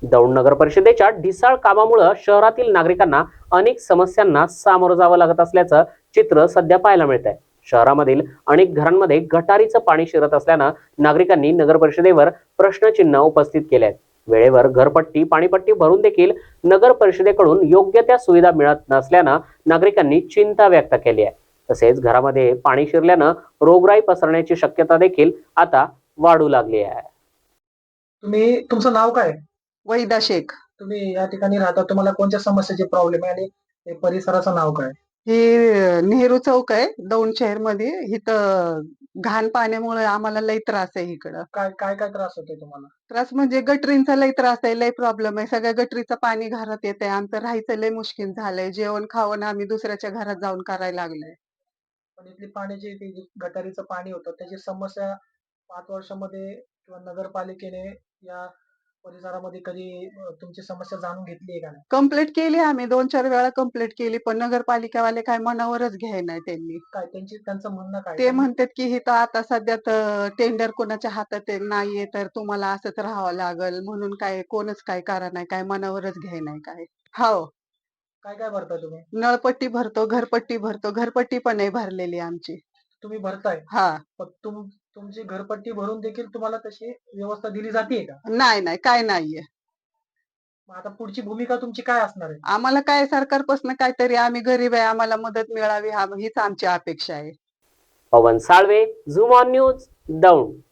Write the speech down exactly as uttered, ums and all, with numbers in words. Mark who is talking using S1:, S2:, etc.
S1: दौंड नगर परिषदेच्या ढिसाळ कामामुळे शहरातील नागरिकांना अनेक समस्यांना सामोरं जावं लागत असल्याचं चित्र सध्या पाहायला मिळत आहे। शहरामधील अनेक घरांमध्ये गटारीचं पाणी शिरत असल्यानं नागरिकांनी नगर परिषदेवर प्रश्नचिन्ह उपस्थित केले आहेत। वेळेवर घरपट्टी पाणीपट्टी भरून देखील नगर परिषदेकडून योग्य त्या सुविधा मिळत नसल्यानं नागरिकांनी चिंता व्यक्त केली आहे। तसेच घरामध्ये पाणी शिरल्यानं रोगराई पसरण्याची शक्यता देखील आता वाढू लागली आहे।
S2: तुम्ही तुमचं नाव काय?
S3: वैदा शेख।
S2: तुम्ही या ठिकाणी राहता, तुम्हाला कोणत्या समस्येचे प्रॉब्लेम आहे आणि हे परिसराचं नाव काय?
S3: हे नेहरू चौक आहे दौंड शहर मध्ये। इथं घाण पाण्यामुळे आम्हाला लई त्रास आहे। इकडं
S2: काय काय काय त्रास होतोय तुम्हाला?
S3: त्रास म्हणजे गटरींचा लई त्रास आहे, लई प्रॉब्लेम आहे। सगळ्या गटरीचं पाणी घरात येतंय, आमचं राहायचं लई मुश्किल झालंय। जेवण खावण आम्ही दुसऱ्याच्या घरात जाऊन करायला लागलोय।
S2: पण इथली पाण्याची ती जी गटारीचं पाणी होतं त्याची समस्या पाच वर्षामध्ये किंवा नगरपालिकेने या परिसरामध्ये कधी अ, तुमची समस्या जाणून घेतली आहे का नाही?
S3: कंप्लेंट केली आम्ही, दोन चार वेळा कंप्लेंट केली, पण नगरपालिकावाले काय मनावरच घ्याय नाही त्यांनी।
S2: काय त्यांची त्यांचं म्हणणं काय?
S3: ते म्हणतात की इथं आता सध्या टेंडर कोणाच्या हातात आहे- नाहीये, तर तुम्हाला असंच राहावं लागल म्हणून काय कोणच काय करा नाही, काय मनावरच घ्याय नाही काय। हो,
S2: काय काय भरता तुम्ही?
S3: नळपट्टी भरतो, घरपट्टी भरतो, घरपट्टी पण आहे भरलेली आमची।
S2: तुम्ही भरताय,
S3: हा,
S2: पण तुम तुमची घरपट्टी भरून देखील तुम्हाला तशी व्यवस्था दिली जाते का?
S3: नाही नाही काय नाहीये।
S2: मग आता पुढची भूमिका तुमची काय असणार आहे?
S3: आम्हाला काय सरकारपासून काहीतरी, आम्ही गरीब आहे, आम्हाला मदत मिळावी हा हीच आमची अपेक्षा आहे।
S1: Pavan Salve, Zoom on news, Daund.